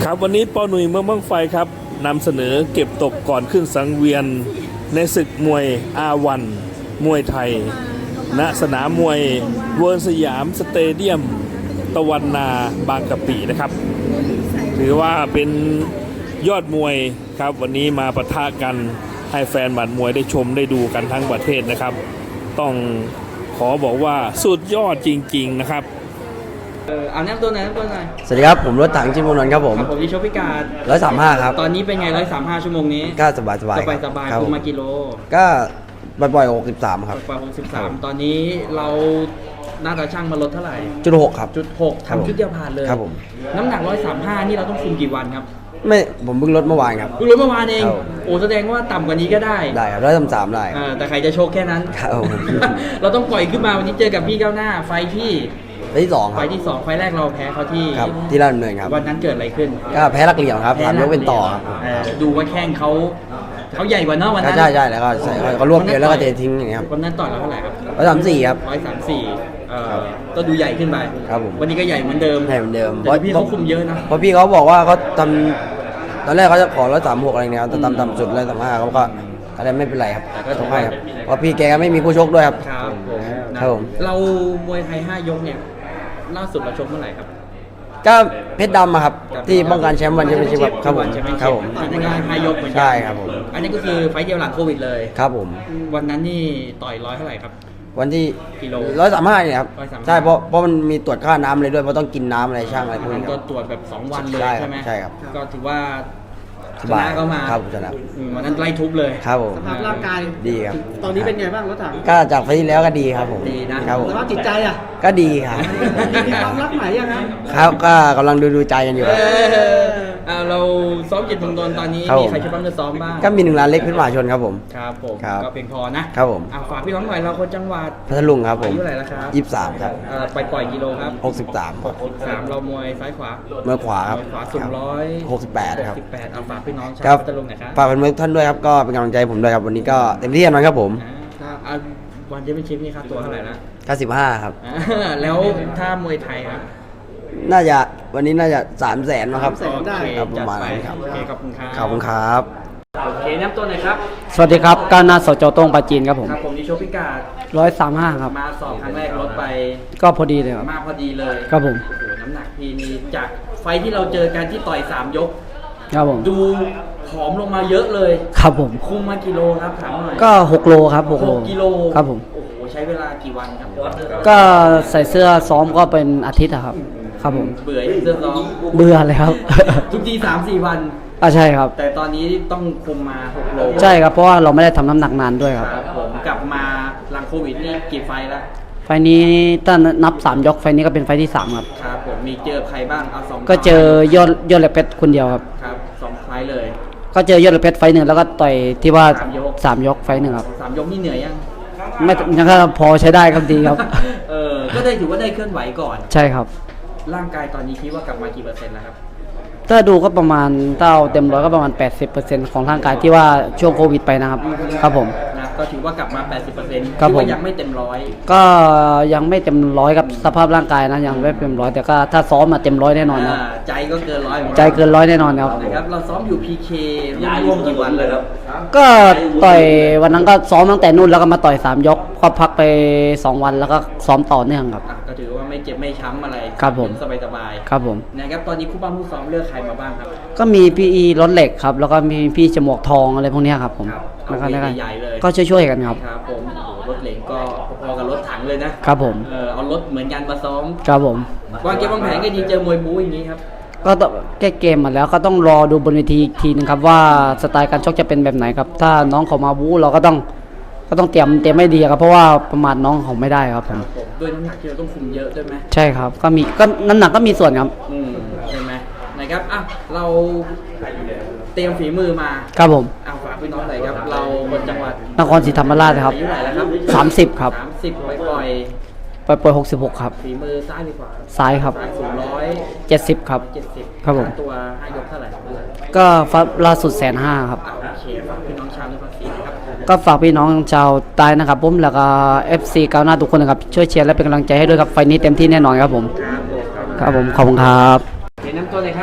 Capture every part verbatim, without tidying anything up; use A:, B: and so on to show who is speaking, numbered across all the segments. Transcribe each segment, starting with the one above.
A: ครับวันนี้ปอหนุ่ยเมืองบั้งไฟครับนำเสนอเก็บตกก่อนขึ้นสังเวียนในศึกมวยอาวันมวยไทยณสนามมวยเวิร์นสยามสเตเดียมตะวันนาบางกะปินะครับถือว่าเป็นยอดมวยครับวันนี้มาปะทะกันให้แฟนบัตรมวยได้ชมได้ดูกันทั้งประเทศนะครับต้องขอบอกว่าสุดยอดจริงๆนะครับ
B: เออเอาแนะนำตัวหน่อยแนะนำตัวหน่อย
C: สวัสดีครับผมรถถังชิมพงนนท์ครับผม
B: ครับผมที่ชกพิการ
C: ร้อยสามห้าครับ
B: ตอนนี้เป็นไงร้อยสามห้าชั่วโมงนี้
C: ก็สบายสบาย
B: สบายสบายคุมมากิโล
C: ก็บ่อยๆหกสิบสามครับ
B: บ่อยหกสิบสามตอนนี้เราน่าจะช่างมาลดเท่าไหร่
C: จุดหกครับ
B: จุดหกทำชุดเดียวผ่านเลย
C: ครับผม
B: น้ำหนักร้อยสามห้านี่เราต้องคุมกี่วันครับ
C: ไม่ผมเพิ่งลดเมื่อวานครับ
B: เพิ่งลดเมื่อวานเองโอ้แสดงว่าต่ำกว่านี้ก็ได้
C: ได้ครับร้อยสามสามได้
B: แต่ใครจะโชคแค่นั้น
C: ครับ
B: เราต้องปล่อยขึ้นมาวันนี้เจอกับพี่ก้าวหน้าไฟที่
C: ไฟที่สอง
B: ไฟที่สองไฟแรกเราแพ้เขาที่
C: ครับที่ราชดำเนินครับ
B: วันนั้นเกิดอะไรขึ้น
C: ก็แพ้ลักเหลี่ยมครับสามยกเป็นต่อครับ
B: ดูว่าแข้งเขาเขาใหญ่กว่าเนาะวันนั้น
C: ใช่ใช่แล้วก็ใส่เขารวบเกลียวแล้วก็เททิ้งอย่างเงี้ยครับ
B: วันนั้นต่อยเราเท่าไหร่ครับ
C: ร้อยสามสี่ครับ
B: ร้อยสามสี่เอ่อก็ดูใหญ่ขึ้นไป
C: ครับผม
B: วันนี้ก็ใหญ่เหมือนเดิม
C: ใหญ่เหมือนเดิม
B: แต่พี่เขาคุมเยอะนะ
C: เพราะพี่เขาบอกว่าเขาทำตอนแรกเขาจะขอร้อยสามหกอะไรเงี้ยแต่ต่ำต่ำสุดร้อยสามห้าเขาก็อะไรไม่เป็นไรครับ
B: แต่ก็ทำ
C: ให้ครับเพราะพี่แกไม่มีคู่ชกด้วยครับ
B: ครับผม
C: ครับผม
B: เรามวยไทยห้ายกเนี่ยล่าสุดเราชกเมื่อไหร่ครับ
C: ก็เพชรดำครับที่ป้องกันแชมป์วันแชมเปี้ยนชิพครับผมครับผม
B: อันนี้ก็ห้ายกเหมือนกัน
C: ใช่ครับผม
B: อันนี้ก็คือไฟเดียวหลังโควิดเลย
C: ครับผม
B: วันนั้นนี่ต่อยร้อยเท่าไหร่ครับ
C: วันที่
B: กิโล
C: ร้อยสามห้าเนี่ยครับใช่เพราะเพราะมันมีตรวจค่าน้ำเลยด้วยเพราะต้องกินน้ำอะไรช่างอะไรพวกนี้
B: ก็ตรวจแบบสองวันเลยใช่ไหม
C: ใช่ครับ
B: ก็ถือว่า
C: ชนะ
B: เขามา
C: ครับชนะ
B: วันนั้นไล่ทุบเลย
C: ครับผม
D: สภาพร่างกาย
C: ดีครับ
D: ตอนนี้เป็นไงบ้างรถถัง
C: ก็จากไฟที่แล้วก็ดีครับผม
B: ดีนะครับ
D: สภาพจิตใจอ่ะ
C: ก็ดีครับ
D: มีความรักใหม่ยังครับ
C: ครับก็กำลังดูดูใจกันอยู่
B: เราซ้อมจิตเมืองนนท์ตอนนี้มีใครช่วยบ้างจะซ้อมบ้าง
C: ก็มีหนึ่งล้านเล็กพิษมหาชนครับผม
B: ครับผมก็เพียงพอนะครับ
C: ผม
B: ฝากพี่น้องหน่อยเราคนจังหวัด
C: พัทลุงครับผม
B: อายุเท่าไหร่แล้วครับ
C: ยี่สิบสามครับ
B: ไปปล่อยกิโลครับ
C: หกสิบสาม
B: หกสิบสามเรามวยซ้ายขวา
C: เมื่อขวาครับ
B: ขวาสูงร้อย
C: หกสิบแปดครับ
B: สิบแปดเอาฝากพี่น้องชาวพัทลุงหน่อยครับ
C: ฝากเป็นเพื่อนท่านด้วยครับก็เป็นกำลังใจผมด้วยครับวันนี้ก็เต็มที่กันครับผม
B: วันที่เป็นชิปนี่ค่าตัวเท่าไหร่นะ
C: เก้าสิบห้าครับ
B: แล้วถ้ามวยไทยครับ
C: น่าจะวันนี้น่าจะสามแสนนะครับ
B: ครับประมาณนั้นครับโอเคขอบคุณครับ
C: ขอบคุณครับ
B: โอเคน้ำตัวไหนครับ
D: สวัสดีครับก้าวหน้าสจตงปาจีนครับผม
B: ครับผมนิโชพิกา
D: ร้อยสามห้าครับ
B: มาสอบครั้งแรกลดไป
D: ก็พอดีเลยครับ
B: มาพอดีเลย
D: ครับผม
B: โอ้โหน้ำหนักพี่นี่จากไฟที่เราเจอกันที่ต่อยสามยก
D: ครับผม
B: ดูผอมลงมาเยอะเลย
D: ครับผม
B: คุมมากิโลครับถามหน่อย
D: ก็หกโลครับหกโล
B: กิโล
D: ครับผม
B: โอ้โหใช้เวลากี่วันครับ
D: ก็ใส่เสื้อซ้อมก็เป็นอาทิตย์ครับครับผม
B: เบื่อเสื้อซ้อม
D: เบื่อเลยครับ
B: ทุกทีสามสี่วัน
D: อ่าใช่ครับ
B: แต่ตอนนี้ต้องคุมมาหกโล
D: ใช่ครับเพราะว่าเราไม่ได้ทำน้ำหนักนานด้วยครับ
B: ผมกลับมาหลังโควิดนี่กี่ไฟแล้ว
D: ไฟนี้ถ้านับสามยกไฟนี้ก็เป็นไฟที่สามครับ
B: ครับผมมีเจอใครบ้างเอาสอง
D: ก็เจอยอดยอดเหล็กเพชรคนเดียวครับ
B: ครับสองไฟเลย
D: ก็เจอยอดเหล็กเพชรไฟหนึ่งแล้วก็ต่อยที่ว่าสามยกไฟหนึ่งครับ
B: สามยกนี่เหนื่อยยัง
D: ไม่ยังก็พอใช้ได้ครับดีครับ
B: เออก็ได้ถือว่าได้เคลื่อนไหวก่อน
D: ใช่ครับ
B: ร่างกายตอนนี้คิดว่ากลับมากี่เปอร์เซ็นต์แล้วครับ
D: ถ้าดูก็ประมาณถ้าเอาเต็มร้อยก็ประมาณ แปดสิบเปอร์เซ็นต์ ของร่างกายที่ว่าช่วงโควิดไปนะครับครับผม
B: นะก็ถือว่ากลับมา แปดสิบเปอร์เซ็นต์
D: ครับผม
B: ยังไม่เต็มร้อย
D: ก็ยังไม่เต็มร้อยกับสภาพร่างกายนะยังไม่เต็มร้อยแต่ก็ถ้าซ้อมมาเต็มร้อยแน่นอนนะ
B: ใจก็เกินร้อย
D: ใจเกินร้อยแน่นอนครับ
B: นะครับเราซ้อมอยู่ พี เค ร่วมกี่วันเลยครับ
D: ก็ต่อยวันนั้นก็ซ้อมตั้งแต่นู่นแล้วก็มาต่อยสามยกก็พักไปสองวันแล้วก็ซ้อมต่อเนื่องครับ
B: ก็ถือว่าไม่เจ็บไม่ช้ำอะไร
D: ครับผม
B: สบายสบาย
D: ครับผม
B: นะครับตอนนี้คู่บ้านคู่ซ้อมเลือกใครมาบ้างครับ
D: ก็มีพี่อีรถเหล็กครับแล้วก็มีพี่จมวกทองอะไรพวกนี้ครับผม
B: แล้วก็ใหญ่เลย
D: ก็ช่วยๆกันครับ
B: ครับผมโอ้โหรถเหล็กก็พอกับรถถังเลยนะครับ
D: ผม
B: เออเอารถเหมือนกันมาซ้อม
D: ครับผม
B: วางเกมวางแผนก็ดีเจอมวยบู๊อย่างนี้ครับ
D: ก็ต้องแก้เกมมาแล้วก็ต้องรอดูบนเวทีอีกทีนึงครับว่าสไตล์การชกจะเป็นแบบไหนครับถ้าน้องเขามาบู๊เราก็ต้องก็ต้องเตรียมเตรียมไม่ดีครับเพราะว่าประมาทน้องเขาไม่ได้ครับผม
B: ด้วยน้ำหนักที่เราต้องคุมเยอะด้วยไหม
D: ใช่ครับก็มีก็น้ำหนักก็มีส่วนครับ
B: อืมใช่ไหมนะครับอ่ะเราเตรียมฝีมือมา
D: ครับผม
B: อ่ะฝากพี่น้องหน่อยครับเราคนจังหวัด
D: นครศรีธรรมราชครับ
B: อายุเท่าไหร่แล้วครับ
D: สามสิบครับ
B: สามสิบไปปล่อย
D: ไปปล่อยหกสิบหกครับ
B: ฝีมือซ้ายหรือขวา
D: ซ้ายครับ
B: สูงร้อย
D: เจ็ดสิบครับ
B: เจ็ดสิบ
D: ครับผม
B: ตัวห้ายกเท่าไหร่
D: ก็ฟับล่าสุดแสนห้าครับ
B: โอเคฝากพี่น้องชาว นครศรีนะครับ
D: ก็ฝากพี่น้องชาวใต้นะครับผมแล้วก็ เอฟ ซี ก้าวหน้าทุกคนนะครับช่วยเชียร์และเป็นกำลังใจให้ด้วยครับไฟนี้เต็มที่แน่นอนครับผมครับผมขอบคุณครับ
B: เห็นน้ำตัวเลยครับ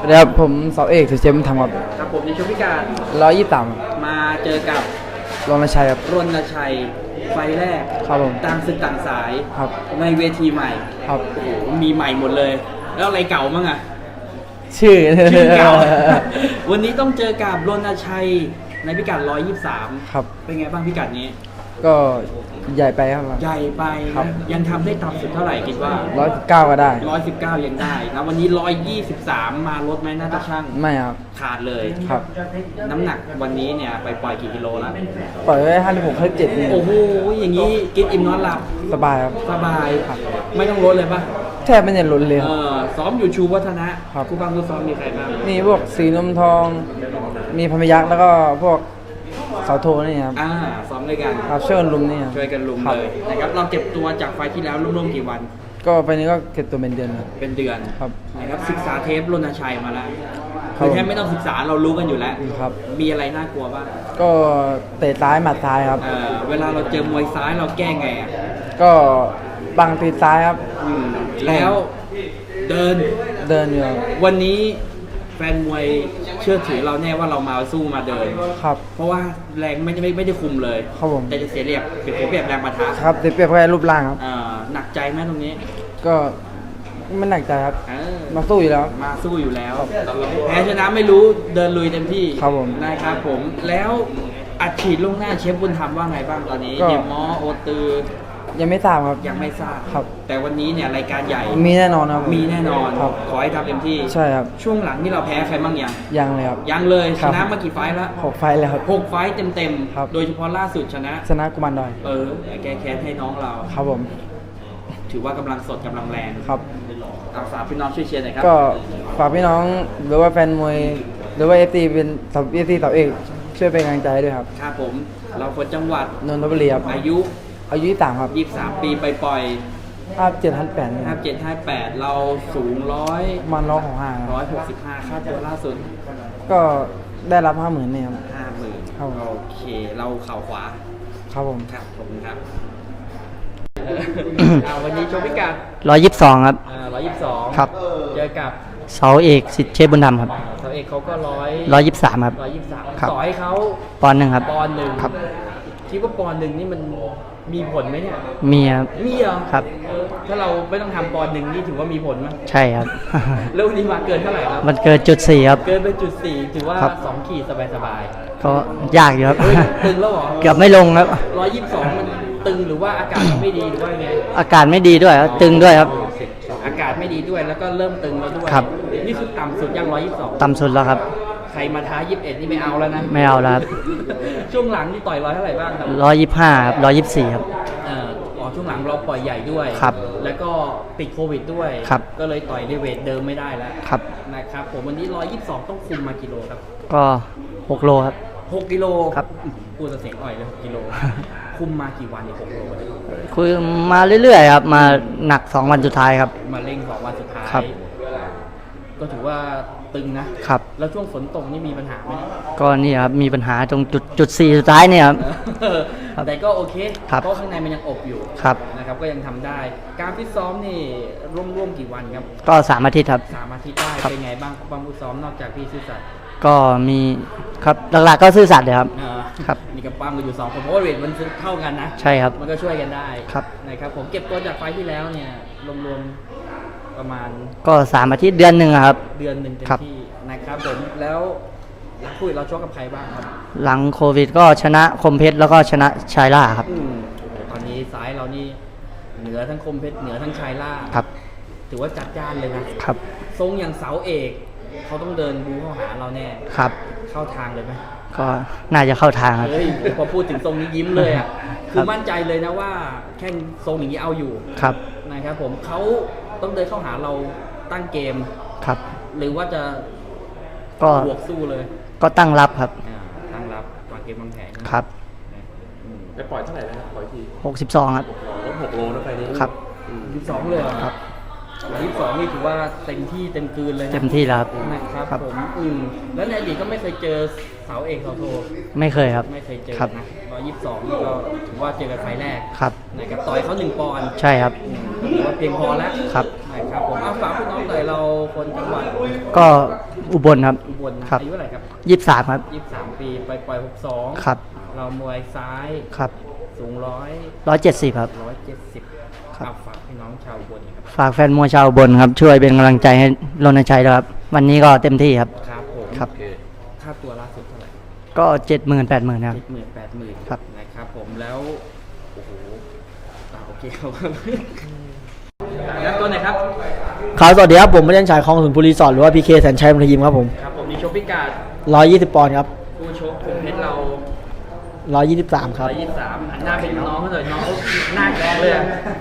E: แล้วผมเสาเอกสุเชมทำครับ
B: ครับผมในช่วงพิการ
E: ร้อยยี่สิบสาม
B: มาเจอกับ
E: รณชัยครับ
B: รณชัยไฟแรก
E: ครับผม
B: ต่างศึกต่างสาย
E: ครับ
B: ในเวทีใหม่
E: ครับ
B: โอ้โหมีใหม่หมดเลย แล้วอะไรเก่ามั้งอะ
E: ชื่อ
B: ชื่อเก่า วันนี้ต้องเจอกับรณชัยในพิกัดร้อยยี่สิบสาม
E: ครับ
B: เป็นไงบ้างพิกัดนี้
E: ก็ใหญ่ไปครับ
B: ใหญ่ไป
E: ครับ
B: ยังทำได้ต่ำสุดเท่าไหร่คิดว่า
E: ร้อยสิบเก้าก็ได้
B: ร้อยสิบเก้ายังได้นะวันนี้ร้อยยี่สิบสามมาลดไหมน่าจะช่าง
E: ไม่ครับ
B: ขาดเลย
E: ครับ
B: น้ำหนักวันนี้เนี่ยไปปล่อยกี่กิโลแล้ว
E: ปล่อยไว้ห้าสิบหกห้าสิบเจ็ดนี่
B: โอ้โหอย่างนี้กินอิ่มนอนหลับ
E: สบายครับ
B: สบายไม่ต้องลดเลยปะ
E: แทบไม่ได้ลดเลยค
B: เอ
E: รับ
B: อซ้อมอยู่ชูวัฒนะครับ คู่บ้างคู่ซ้อมมีใครบ้าง
E: มีพวกสีนมทอง มีพมยักษ์แล้วก็พวกเสาโทนี่ครับ
B: อ่าซ้อมด้วยกัน
E: ครับช่วยกันลุมนี่ครับ
B: ช่วยกันลุม
E: ครับ
B: เลยนะครับเราเก็บตัวจากไฟล์ที่แล้วร่วมๆกี่วัน
E: ก็ไปนี้ก็เก็บตัวเป็นเดือนครับ
B: เป็นเดือน
E: ครับ
B: นะครับศึกษาเทปรณชัยมาแล้ว
E: ครั
B: คื
E: บ
B: อแทบไม่ต้องศึกษาเรารู้กันอยู่แล้ว
E: ครับ
B: มีอะไรน่ากลัวบ้าง
E: ก็เตะซ้ายหมัดซ้ายครับ
B: เออเวลาเราเจอมวยซ้ายเราแก้ไงอ่ะ
E: ก็บังตีซ้ายครับ
B: อืมแล้วเดิน
E: เดินอยู่ครับ
B: วันนี้แฟนมวยเชื่อถือเราแน่ว่าเรามาสู้มาเดิน
E: ครับ
B: เพราะว่าแรงไม่ไม่ไม่ได้คุมเลย
E: ครับผม
B: แต่จะเสียเรียบเปรียบเปรียบแรงปะทะ
E: ครับเสียเปรียบแค่รูปร่างครับ
B: เอ่อหนักใจไหมตรงนี้
E: ก็ไม่หนักใจครับ
B: เออ
E: มาสู้อยู่แล้ว
B: มาสู้อยู่แล้ว แพ้ชนะไม่รู้เดินลุยเต็มที่
E: ครับผม
B: นะครับผมแล้วอัดฉีดลงหน้าเชฟบุญธรรมว่าไงบ้างตอนนี้
E: ก็
B: เดมอโอตือ
E: ยังไม่ทราบครับ
B: ยังไม่ทราบ
E: ครับ
B: แต่วันนี้เนี่ยรายการใหญ่
E: มีแน่นอนครับ
B: มีแน่นอน
E: ครับ
B: ขอให้ทำเต็มที่
E: ใช่ครับ
B: ช่วงหลังนี่เราแพ้ใครบ้างยัง
E: ยังเลยครับ
B: ยังเลย
E: ค
B: ช
E: รับ
B: นะมากี่ไฟล์แล้ว
E: หกไฟล์แล้วครับ
B: หกไฟล์เต็ม
E: ครับ
B: ๆโดยเฉพาะล่าสุดชนะ
E: ชนะกุมารดอย
B: เออแก้แค้นให้น้องเรา
E: ครับผม
B: ถือว่ากำลังสดกำลังแรง
E: ครับ
B: เอาฝากพี่น้องช่วยเชียร์หน่อยครับ
E: ก็ฝากพี่น้องหรือว่าแฟนมวยหรือว่าเอฟซีเป็นสับเอฟซีสับเอกช่วยเป็นกำลังใจให้ด้วยครับ
B: ครับผม เราคนจังหวัด
E: นนทบุรีครับ
B: อายุ
E: อายุยี่สิบสามครับ
B: ยี่สิบสามปีไปปล่อย
E: ห้าเจ็ดพันแปด
B: ห้าเจ็ดห้าแปดเราสูงร้อย
E: มันร้องของห้าค
B: ร้อ
E: รับ
B: ยหกสิบห้าค่าตัวล่าสุด
E: ก็ได้รับห้าหมื่นเนี่ยครับ
B: ห้าหมื่น
E: ครับผม
B: โอเค เราเข่าขวา
E: ครับผม
B: ครับผมครับเอาวันนี้โชว์พิกัด
D: ร้อยยี่สิบสองครับ
B: ร้อยยี่สิบสอง
D: ครับ
B: เจอกับ
D: เสาเอกสิทธิ์เชฟบุญธรรมครับ
B: เสาเอกเขาก็ร้อย
D: ร้อยยี่สิบสามครับ
B: ร้อยยี่สิบสาม
D: ครับ
B: ต่อให้เขา
D: ปอนด์หนึ่งครับ
B: ปอนด์หนึ่ง
D: ครับ
B: คิดว่าปอนด์หนึ่งนี่มันมีผลไหมเนี่ย
D: มีครับ
B: มีเหรอ
D: ครับ
B: เออถ้าเราไม่ต้องทำปอนด์หนึ่งนี่ถือว่ามีผลไหม
D: ใช่ครับ
B: แล้ววันนี้มาเกินเท่าไหร่ครับ
D: มันเกินจุดสี่ครับ
B: เกินไปจุดสี่ถือว่า
D: ครับ
B: สองขีดสบาย
D: ก็ยากอยู่ครับ
B: ๆเฮ้ยตึงแล้วเหรอ
D: เกือบไม่ลงครับ
B: ร้อยยี่สิบสองมันตึงหรือว่าอากาศมันไม่ดีหรือว่ายังไง
D: อากาศไม่ดีด้วยครับตึงด้วยครับ
B: อากาศไม่ดีด้วยแล้วก็เริ่มตึงแล้วด้วย
D: ครับ
B: นี่คือต่ำสุดยังร้อยยี่สิบสอง
D: ต่ำสุดแล้วครับ
B: ใครมาท้ายี่สิบเอ็ดนี่ไม่เอาแล้วนะ
D: ไม่เอาแล้วครับ
B: ช่วงหลังนี่ต่อยร้อยเท่าไหร่บ้างครับ
D: ร้อยยี่สิบห้าครับร้อยยี่สิบสี่ครับ
B: เอ่ออ๋อช่วงหลังเราปล่อยใหญ่ด้วย
D: ครับ
B: แล้วก็ติดโควิดด้วย
D: ครับ
B: ก็เลยต่อยในเวทเดิมไม่ได้แล้ว
D: ครับ
B: นะครับผมวันนี้ร้อยยี่สิบสองต้องคุมมากิโลครับ
D: ก็หกโลครับ
B: หกกิโล
D: ครับ
B: พูดแต่เสียงอ่อยเลยหกกิโล คุมมากี่วันเนี่ยหกโลเนี่ย
D: คุยมาเรื่อยๆครับ มาหนักสองวันสุดท้ายครับ
B: มาเร่งสองวันสุดท้าย
D: ครับ
B: ก็ถือว่าตึงนะ
D: ครับ
B: แล้วช่วงฝนตกนี่มีปัญหาไหม
D: ก็นี่ครับ มีปัญหาตรงจุดจุดสี่สุดท้ายเนี่ยครับ ครับ
B: แต่ก็โอเค
D: ครับ
B: เพราะข้างในมันยังอบอยู่
D: ครับ
B: นะครับก็ยังทำได้ การฟิตซ้อมนี่ร่วมๆกี่วันครับ
D: ก็สามอาทิตย์ครับ
B: สามอาทิตย์ได้
D: ครับ
B: เป็นไงบ้างความฟิตซ้อมนอกจากพี่ซื่อสัตย์
D: ก็มีครับหลักๆก็ซื่อสัตย์เลยครับ
B: เอ่อ
D: ครับ
B: นี่กับปั้มกันอยู่สองคนเพราะว่าเวทมันเท่ากันนะ
D: ใช่ครับ
B: มันก็ช่วยกันได้
D: ครับ
B: นะครับผมเก็บตัวจากไฟล์ที่แล้วเนี่ยรวมๆประมาณ
D: ก็สามอาทิตย์เดือนหนึ่งอะครับ
B: เดือนหนึ่งเต็ม
D: ครับ
B: ที่นะครับผมแล้วหลังคุยเราชกกับใครบ้างครับ
D: หลังโควิดก็ชนะคมเพชรแล้วก็ชนะชายล่าครับ
B: อืมตอนนี้ซ้ายเรานี่เหนือทั้งคมเพชรเหนือทั้งชายล่า
D: ครับ
B: ถือว่าจัดจ้านเลยนะครับ ทรงอย่างเสาเอกเขาต้องเดินบูเข้าหาเราแน่
D: ครับ
B: เข้าทางเลยไหม
D: ก็น่าจะเข้าทางครับ
B: เฮ้ยพอพูดถึงทรงนี้ยิ้มเลยอ่ะ
D: ค
B: คื
D: รั
B: อบ มั่นใจเลยนะว่าแค่ทรงอย่างนี้เอาอยู่
D: ครับ
B: นะครับผมเขาต้องเดินเข้าหาเราตั้งเกม
D: ครับ
B: หรือว่าจะ
D: ก็
B: บวกสู้เลย
D: ก็ตั้งรับครับ
B: อ่าตั้งรับวางเกมวางแผน
D: ครับ
B: อืม
A: ไปปล่อยเท่าไหร่นะครับปล่อยที
D: หกสิบสองครับ
A: ลดหกโลนะไฟนี้
D: ครับ
B: ยี่สิบสองเลยเหรอ
D: ครับ
B: ยี่สิบสองนี่ถือว่าเต็มที่เต็มกลืนเลยนะ
D: เต็มที่แล้วครับ
B: นะครับ
D: ครับ
B: ผมอืมแล้วในอดีตก็ไม่เคยเจอเสาเอกเสาโท
D: ไม่เคยครับ
B: ไม่เคยเจอ
D: ครับ
B: นะร้อยยี่สิบสองนี่ก็ถือว่าเจอกันไฟล์แรก
D: ครับ
B: นะครับต่อยเขาหนึ่งปอนด์
D: ใช่ครับ
B: อืมถือว่าเพียงพอแล้ว
D: ครับ
B: นะครับผมเอาฝากพี่น้องหน่อยเราคนจังหวัด
D: ก็อุบลครับ
B: อุบลนะครับ อายุเท่าไหร่ครับ
D: ยี่สิบสามครับ
B: ยี่สิบสามปีไปปล่อยหกสอง
D: ครับ
B: เรามวยซ้าย
D: ครับ
B: สูงร้อย
D: ร้อยเจ็ดสิบครับ
B: ร้อยเจ็ดสิบ
D: ครับ
B: เอาฝากพี่น้องชาวอุบลครับ
D: ฝากแฟนมวยชาวอุบลครับ ช่วยเป็นกำลังใจให้รณชัยด้วยครับ วันนี้ก็เต็มที่ครับ
B: ครับผม
D: ครับ
B: ค่าตัวล่าสุดเท่าไหร่
D: ก็เจ็ดหมื่นแปดหมื่นครับ
B: เจ็ดหมื่นแปดหมื่น
D: ครับ
B: นะครับผมแล้วโอ้โหอ่าโอเคครับแล้วตัวไหนครับ
F: ครับสวัสดีครับผมไม่ได้ชายคลองสุนทรรีสอร์ทหรือว่าพีเคแสนชัยมรยิมครับผม
B: ครับผมมีโชคพิกาด
F: ร้อยยี่สิบปอนด์ครับ
B: ผู้ชกผมเพชรเรา
F: ร้อยยี่สิบสามค
B: ร้
F: รั
B: อบ ยยี่สิบสามหันหน้าเป็นน้องเขาเลยน้องเขาหน้าแข็งเลยอะ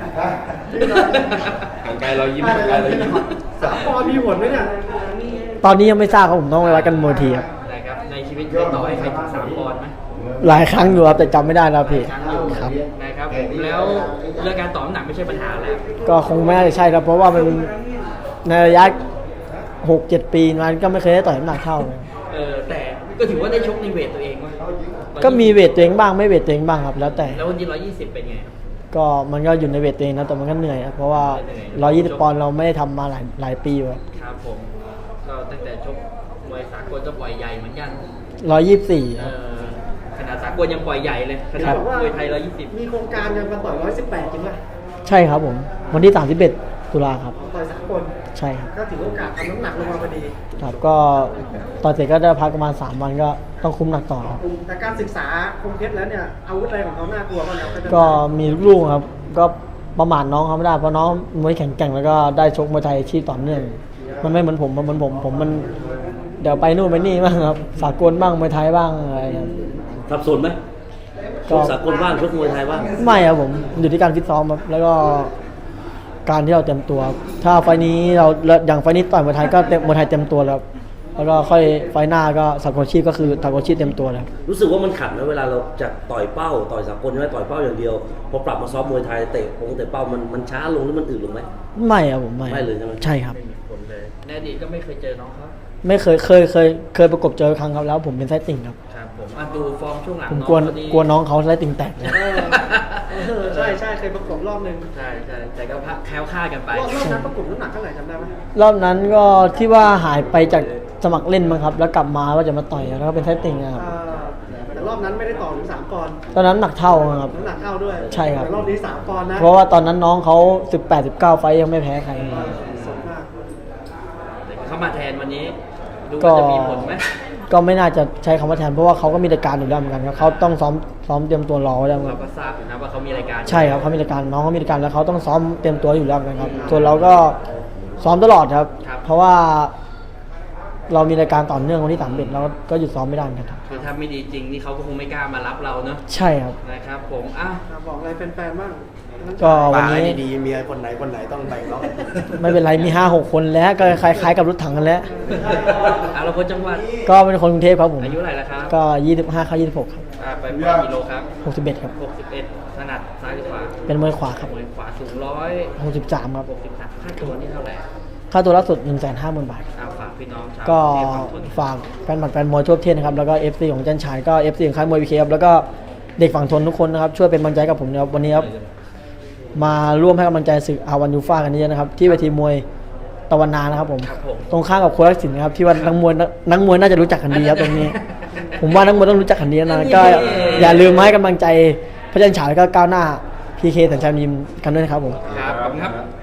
B: หันไปเรายิ้มหันไปเรายิ้ม
F: สามปอนด์มีผลไหมเนี่ยตอนนี้ยังไม่ทราบครับผมต้องไปวัดกันมวยทีครับ
B: นะครับในชีวิตเคยต่อให้ใครถึงสามปอนด์ไหม
F: หลายครั้งอยู่ครับแต่จำไม่ได้แล้วพี่
B: ครั้งอยู่
F: ครับ
B: นะครับผมแล้วเรื่องการต่อน้ำหนักไม่ใช่ปัญหาแล้ว
F: ก็คงไม่น่าจะใช่ครับเพราะว่ามันในระยะหกเจ็ดปีมันก็ไม่เคยได้ต่อยน้ำหนักเท่าเลย
B: เออแต่ก็ถือว่าได้ชกในเวทตัวเองวะ
F: ก็มีเวทตัวเองบ้างไม่เวทตัวเองบ้างครับ แล้วแต่
B: แล้ววันนี้ร้อยยี่สิบเป็นไง
F: ก็มันก็อยู่ในเวทตัวเองนะแต่มันก็เหนื่อยครับเพราะว่า
B: เหนื่อย
F: ร้อยยี่สิบปอนด์เราไม่ได้ทำมาหลายหลายปีครับ
B: ครับผมก็ตั้งแต่ชกมวยสากลก็ปล่อยใหญ่เหมือนกัน
F: ร้อยยี่สิบสี่
B: เออขนาดสากลยังปล่อยใหญ่เลยข
F: ค
B: นา
F: รั
B: ด
F: บ
B: มวยไทยร้อยยี่สิบ
G: มีโครงการจะมาต่อยร้อยสิบแปดจริงไหม
F: ใช่ครับผมวันที่สามสิบเอ็ดตุลาครับ
G: ต่อยสากล
F: ใช่ครับ
G: ก็ถือโอกาสทำน้ำหนักลงมาพอดี
F: ครับก็ตอนเสร็จก็ได้พักประมาณสามวันก็ต้องคุมหนักต่อครับ
G: แต่การศึกษาคมเพชรแล้วเนี่ยอาวุธอะไรของเขาน่ากลัวบ้างครับ
F: ก็มีลูกๆครับ ก็ประมาทน้องเขาไม่ได้เพราะน้องมวยแข็งแกร่งแล้วก็ได้ชกมวยไทยอาชีพต่อเนื่อง มันไม่เหมือนผมมันเหมือนผมผมมันเดี๋ยวไปนู่นไปนี่บ้างครับสากลบ้างมวยไทยบ้างอะไรครับ
H: สับสนไหมช
F: ก็
H: กสากลบ้างชกมวยไทยบ้าง
F: ไม่ครับผมอยู่ที่การฟิตซ้อมครับแล้วก็การที่เราเต็มตัว ถ้าไฟล์นี้เราอย่างไฟล์นี้ต่อยมวยไทยก็เต็มมวยไทยเต็มตัวแล้วครับแล้วก็ค่อยไฟล์หน้าก็สากลอาชีพก็คือสากลอาชีพเต็มตัวแล้ว
H: รู้สึกว่ามันขัดไหมเวลาเราจะต่อยเป้าต่อยสากลใช่ไหมต่อยเป้าอย่างเดียวพอปรับมาซ้อมมวยไทยเตะปงเตะเป้ามันมันช้าลงหรือมันอืดลงไหม
F: ไม่ครับผมไม่
H: ไม่เลยใช่ไหม
F: ใช่ครับ
B: ไม่มีผลเลยในอดีตก็ไม่เคยเจอน้องเขา
F: ไม่เคยเคยเคยเคยประกบเจอครั้งครับแล้วผมเป็นไส้ติ่งครับ
B: ครับผมอ่ะดูฟอร์มช่วงหลัง
F: ผม
B: น้อง
F: กลัว
B: เขาดี
F: กลัวน้องเขาไส้ติ่งแตกเลย
G: เออเออใช่ใช่เคยประกบรอบหนึ่ง
B: ใช่ใช่แต่ก็พักแคล้วคลาดกันไป
G: รอบรอบนั้นประกบน้ำหนักเท่าไหร่จำได้ไหม
F: รอบนั้นก็ที่ว่าหายไปจากสมัครเล่นมั้งครับ แล้วกลับมาว่าจะมาต่อยแล้วก็เป็นไส้ติ่งอะครับ
G: เออแต่รอบนั้นไม่ได้ต่อถึงสามปอนด์
F: ตอนนั้นหนักเท่าครับ
G: น้ำหนักเท่าด้วย
F: ใช่ครับ
G: แต่รอบนี้สามปอนด์นะ
F: เพราะว่าตอนนั้นน้องเขาสิบแปด สิบเก้าไฟต์ยังไม่แพ้ใคร
G: สดมาก
B: เขามาแทนวันนี้ดู
F: ก็
B: ว่าจะมีผลไหม
F: ก็ไม่น่าจะใช้คำว่าแทนเพราะว่าเขาก็มีรายการอยู่แล้วเหมือนกันครับเขาต้องซ้อมซ้อมเตรียมตัวรอไว้แล้วค
B: เรา
F: รับ
B: ก็ทราบอยู่นะว่าเขามีรายการ
F: ใช่ครับเขามีรายการน้องเขามีรายการแล้วเขาต้องซ้อมเตรียมตัวอยู่แล้วเหมือนกันครับส่วนเราก็ซ้อมตลอดครับ เพราะว่าเรามีรายการต่อเนื่องวันที่สามเอ็ดเราก็หยุดซ้อมไม่ได้เหมือนกันครับ
B: คือถ้าไม่ดีจริงนี่เขาก็คงไม่กล้ามารับเราเนอะ
F: ใช่ครับ
B: นะครับผมอ่ะ
G: อ่ะบอกอะไรแฟนๆบ้าง
F: ก็วันนี้
G: ดีๆเมียคนไหนคนไหนต้องแบ่งเนาะ
F: ไม่เป็นไรมีห้าหกคนแล้วก็คล้ายๆกับรถถังกันแล้ว
B: อ่ะเราคนจังหวัด
F: ก็เป็นคนกรุงเทพครับผม
B: อายุเท่าไหร่แล้วครับ
F: ก็ยี่สิบห้าเข้ายี่สิบหกครับ
B: อ่ะไปปล่อยกิโลครับ
F: หกสิบเอ็ดครับ
B: หกสิบเอ็ดถนัดซ้ายหรือขวา
F: เป็นมวยขวาครับ
B: มวยขวาสูงร้อย
F: หกสิบสามครับ
B: หกสิบสามค่าตัวนี่เท่าไหร่
F: ค่าตัวล่าสุดหนึ่งแสนห้าหมื่นบาท
B: อ่ะฝากพี่น้องชาว
F: ก็
B: เทพฝั่งทน
F: ฝากแฟนบัตรแฟนมวยทั่วประเทศนะครับแล้วก็ เอฟ ซี ของจันฉายก็ เอฟ ซี ของค่ายมวยวีเคครับแล้วก็เด็กฝั่งทนทุกคนนะครับช่วยเป็นกำลังใจกับผมนะครับวันนี้ครับมาร่วมให้กำลังใจศึกอาวันยูฟ่ากันเยอะนะครับที่เวทีมวยตะวันนานะครับผม
B: ครับผม
F: ตรงข้ามกับโคราชสินนะครับที่ว่านักมวยนักนักมวยน่าจะรู้จักกันดีครับตรงนี้ ผมว่านักมวยต้องรู้จักกันดีนะก็อย่าลืมมาให้กำลังใจพระจันฉายแล้วก็ก้าวหน้าพีเคสัญชัยยิมกันด้วยนะครับผม
B: ครับขอบคุณครับ